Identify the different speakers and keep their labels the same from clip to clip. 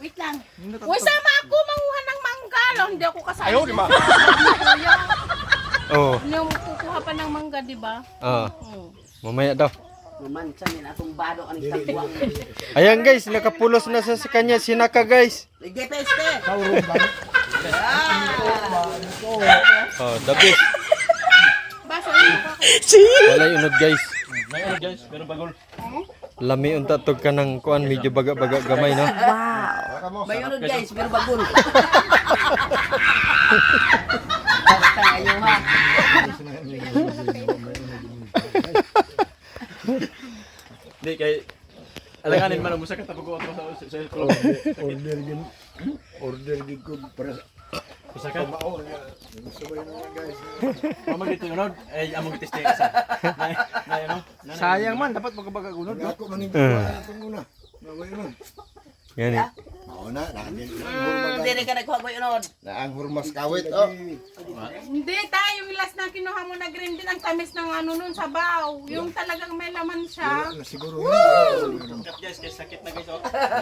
Speaker 1: Wait lang. Uy, sama ako manguha ng mangga. Hindi ako kasali.
Speaker 2: Ayaw, di ba?
Speaker 3: Oh.
Speaker 1: Yung kukuha pa ng mangga, di ba?
Speaker 3: Mamaya daw.
Speaker 4: Mamansa ni atong bado aning tagwang.
Speaker 3: Ayan guys, nakapulos na sa kanya sinaka guys.
Speaker 4: Ligay peste.
Speaker 3: Oh, the best.
Speaker 1: Baso, yun ako.
Speaker 3: Wala unod guys.
Speaker 2: May ano guys, meron bagol.
Speaker 3: Lami unta tog ka ng kuan medyo baga-baga gamay no.
Speaker 4: Mayroon guys, pero bagol. Basta ayo ha.
Speaker 2: Hindi kay alanganin man mo sa katapugo ako sa club.
Speaker 5: Order gid ko para
Speaker 2: Isa ka.
Speaker 5: maor nga. Sabay na guys.
Speaker 2: Mama dito yun, eh among test isa. Na ano?
Speaker 6: Sayang man, dapat magkabaga gunod.
Speaker 5: Ako maning itong una. Naway nun.
Speaker 3: Yan eh.
Speaker 5: Mao na din.
Speaker 4: Dili ka nagkuha ko unod.
Speaker 5: Na ang hurmas kawit oh.
Speaker 1: Hindi tayo, yung last na kinuha mo na green din ang tamis ng ano nun, sabaw. Yung talagang may laman siya.
Speaker 5: Na siguro.
Speaker 2: Cut guys, kay sakit na guys oh.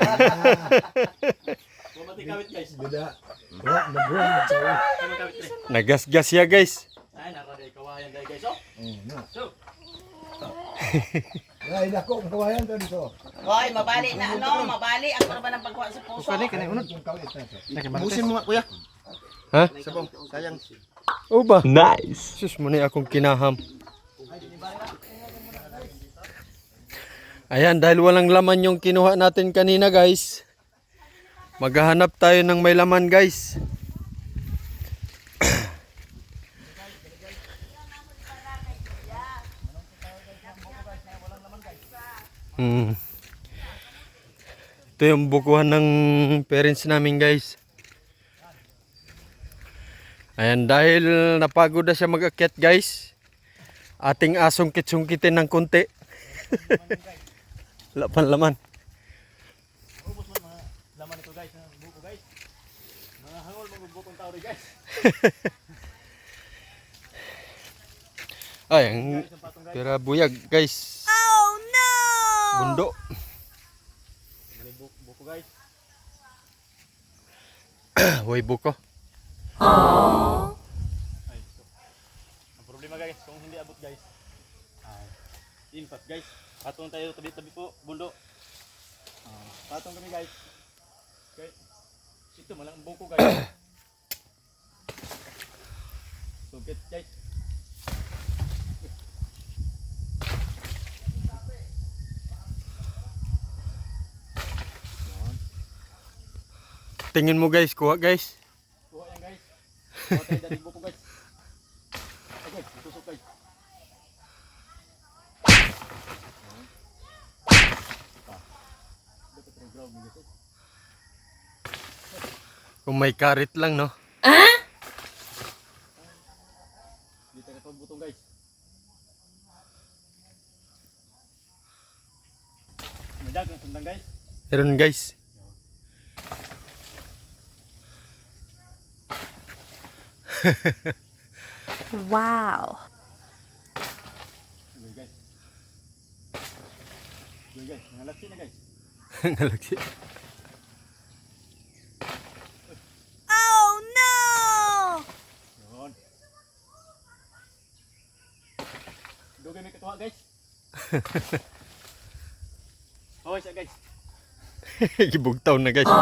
Speaker 2: Bumati kawit guys.
Speaker 5: Bida. Wa nagron tawo.
Speaker 2: Ano kawit pre?
Speaker 3: Nagasgas ya guys.
Speaker 2: Ay nara day kawayan day guys oh. So,
Speaker 5: Ay nako kawayan to dito.
Speaker 4: Hoy, mabali na ano, mabali ako na ba ng pagkuha sa puso?
Speaker 6: Kani kanay unod.
Speaker 5: Yung kawit na.
Speaker 6: Busin mo nga kuya.
Speaker 3: Ha?
Speaker 6: Sabong, sayang.
Speaker 3: O ba? Nice. Sus mo ni akong kinaham. Ayan, dahil walang laman yung kinuha natin kanina guys. Maghahanap tayo ng may laman guys. Ito yung bukuhan ng parents namin guys. Ayan, dahil napagod na siya mag-akyat guys, ating asungkit-sungkitin ng konti. Wala pang laman.
Speaker 2: laman ito guys, buko guys. Mga hangol mga bukong tao rin guys.
Speaker 3: Ay, ang pera buyag guys.
Speaker 1: Oh no!
Speaker 3: Bundo.
Speaker 2: Mga buko guys.
Speaker 3: Hoy buko.
Speaker 2: Ay, so. Ang problema guys, kung hindi abot guys. Ay, inpat guys. Patong tayo tabi-tabi po, bundo. Patong kami guys. Okay. Ito malang buko guys. Sugit guys.
Speaker 3: Tingin mo guys, kuha guys.
Speaker 2: Kuha yan guys. Kuha tayo dari buko guys. Okay, tusok guys.
Speaker 3: Kung may karit lang no.
Speaker 2: Dito ka pagbutong guys. Madag ang sundang guys.
Speaker 3: Meron guys.
Speaker 1: Wow!
Speaker 2: Good guys. Good guys, nalaksi na guys.
Speaker 3: Ngalagsi.
Speaker 1: Oh no!
Speaker 2: Yun. Dugay may katuwa guys. Okay siya guys.
Speaker 3: Gibugtaw na guys.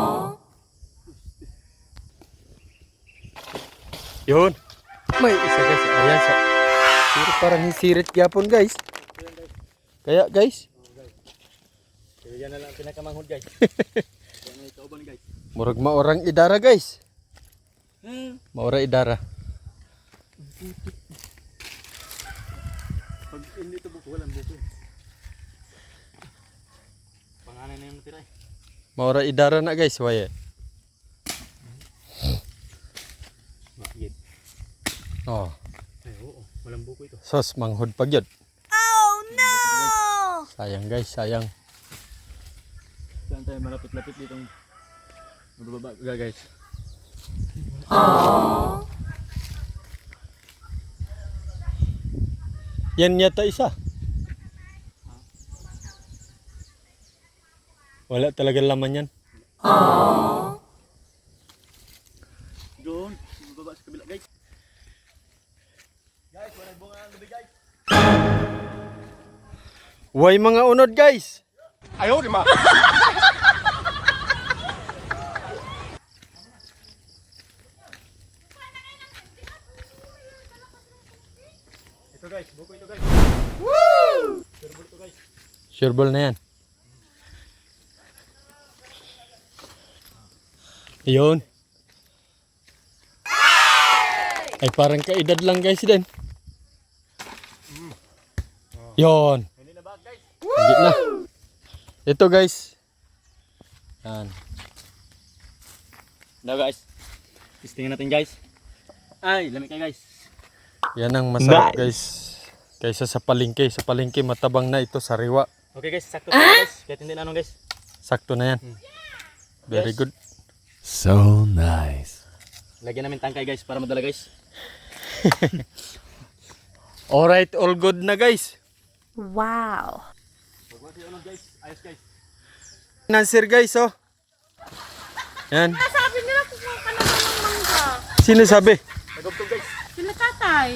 Speaker 3: Yun. May isa guys. Ayan sa. Pero parang hisirit gyapon guys. Kaya guys.
Speaker 2: Kaya yan na lang ang pinakamanghod guys. Yan na ikauban guys.
Speaker 3: Murag maorang idara guys. Maora idara.
Speaker 2: Pag hindi ito buko, walang buko. Panganay na yung natira eh.
Speaker 3: Maora idara na guys. Waye.
Speaker 2: Bakit?
Speaker 3: Oh.
Speaker 2: Ay oo, walang buko ito.
Speaker 3: Sos manghod pag yun.
Speaker 1: Oh no!
Speaker 3: Sayang guys, sayang.
Speaker 2: Saan tayo malapit-lapit ditong mababa guys.
Speaker 3: Yan yata isa. Wala talaga laman yan.
Speaker 2: Doon, baba sa kabila guys. Guys, wala bunga ang gabi guys.
Speaker 3: Way mga unod guys.
Speaker 5: Ayaw, di ma.
Speaker 2: Ito guys, buko ito guys.
Speaker 3: Sure ball na yan. Yun. Ay parang kaedad lang guys din. Yun.
Speaker 2: Hindi na ba guys?
Speaker 3: Hindi na. Ito guys. Yan.
Speaker 2: Now guys, testingin natin guys. Ay, lamig kayo guys.
Speaker 3: Yan ang masarap guys. Kaysa sa palengke. Sa palengke matabang na ito, sariwa.
Speaker 2: Okay guys, sakto guys. Kahit hindi na anong guys.
Speaker 3: Sakto na yan. Very good.
Speaker 5: So nice.
Speaker 2: Lagyan namin tangkay guys para madala guys.
Speaker 3: Alright, all good na guys.
Speaker 1: Wow.
Speaker 2: Pagwa kayo ano guys, ayos guys.
Speaker 3: Nasir guys oh. Yan.
Speaker 1: Sabi nila kukuha ka na ng mangga.
Speaker 3: Sino sabi?
Speaker 2: Nagugtog guys.
Speaker 1: Sila tatay.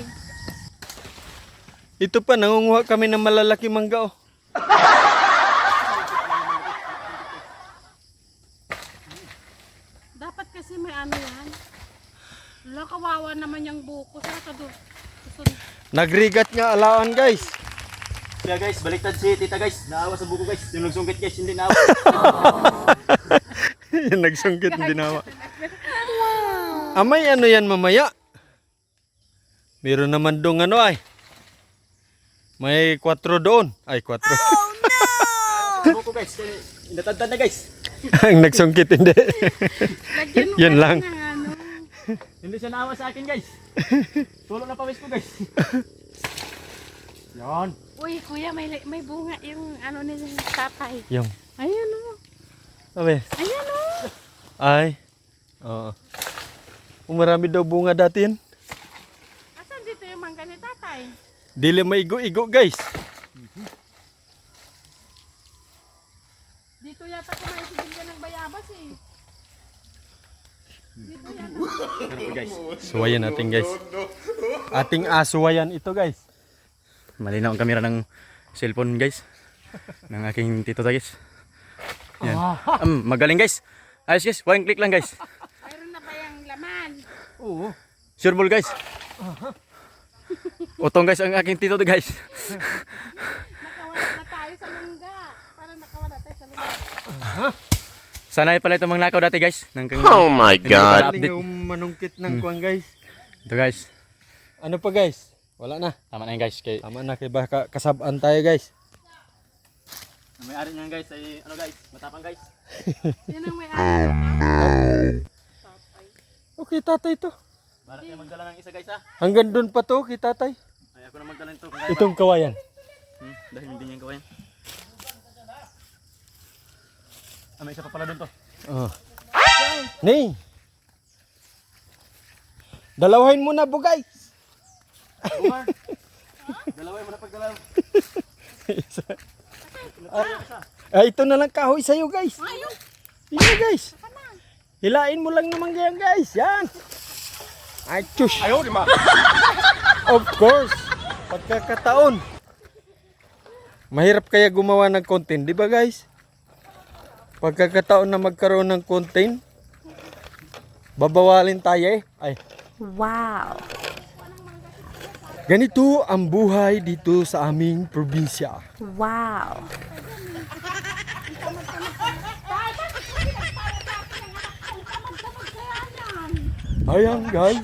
Speaker 3: Ito pa, nangunguha kami ng malalaki mangga oh.
Speaker 1: Dapat kasi may ano yan. Wala, kawawa naman yung buko. Saka ka doon.
Speaker 3: Nagrigat nga alaan guys.
Speaker 2: Kaya guys, baliktad si tita guys. Naawa sa buko guys. Yung nagsungkit guys, hindi naawa.
Speaker 3: Yan nagsungkit din nawa. Amay ano yan mamaya? Meron naman dong ano ay. May 4 doon. Ay 4.
Speaker 2: Buko guys, inatadtad na guys.
Speaker 3: Ang nagsungkit hindi.
Speaker 1: Lagyan mo
Speaker 3: Yan
Speaker 1: kasi
Speaker 3: lang.
Speaker 1: ng ano.
Speaker 2: Hindi siya naawa sa akin guys. Tulog na pawis ko guys. Yan.
Speaker 1: Uy, kuya, may bunga yung ano ni tatay.
Speaker 3: Yung.
Speaker 1: Ayan o.
Speaker 3: Sabi.
Speaker 1: Ayan o.
Speaker 3: Ay. Oo. Marami daw bunga dati yan.
Speaker 1: Asan dito yung mangga ni tatay?
Speaker 3: Dili maigo-igo guys.
Speaker 1: Dito yata kumain ka ng bayabas eh. Dito yata.
Speaker 2: Pero po guys,
Speaker 3: Suwayan natin guys. Ating asuwayan ito guys.
Speaker 2: malinaw ang kamera ng cellphone guys. Ng aking tito guys. Yan. Magaling guys. Ayos guys, one click lang guys.
Speaker 1: Mayroon na ba yung laman?
Speaker 2: Sure ball guys. Utong guys ang aking tito guys.
Speaker 1: Nakawala na tayo sa mangga. Parang nakawala tayo sa mangga.
Speaker 2: Sanay pala itong mga nakaw dati guys.
Speaker 5: Oh my God.
Speaker 3: Galing yung manungkit ng kuwan guys.
Speaker 2: Ito guys.
Speaker 3: Ano pa guys? Wala na.
Speaker 2: Tama na yun guys. Kay
Speaker 3: Tama na kay baka kasabaan tayo guys.
Speaker 2: ang may-ari niyan guys ay ano guys, matapang guys.
Speaker 1: Yan ang may ano.
Speaker 3: Okay tatay to.
Speaker 2: Para kayo magdala ng isa guys ha.
Speaker 3: Hanggang doon pa to kay tatay.
Speaker 2: Ay ako na magdala nito.
Speaker 3: Itong kawayan.
Speaker 2: Dahil hindi niya kawayan. May isa pa pala doon to.
Speaker 3: Oh. Ning. Dalawahin mo na bugay.
Speaker 2: Umar. Dalaway mo na pagdalaw.
Speaker 3: Ito na lang kahoy sa'yo guys. Yan guys. Hilain mo lang naman yan guys. Yan. Ay, tsush.
Speaker 5: Ayaw, di ma.
Speaker 3: Of course. Pagkakataon. Mahirap kaya gumawa ng content, di ba guys? Pagkakataon na magkaroon ng content, babawalin tayo eh. Ay.
Speaker 1: Wow.
Speaker 3: Ganito ang buhay dito sa aming probinsya.
Speaker 1: Wow.
Speaker 3: Ayan guys.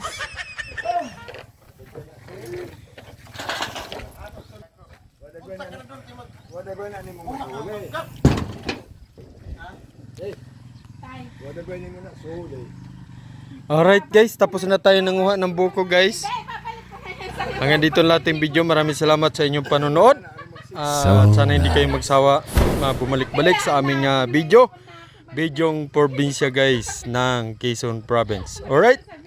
Speaker 3: Alright guys, tapos na tayo nanguha ng buko guys. Hanggang dito lang ating video. Maraming salamat sa inyong panonood. At sana hindi kayo magsawa bumalik-balik sa aming video. Bidyong probinsya guys ng Quezon Province. Alright?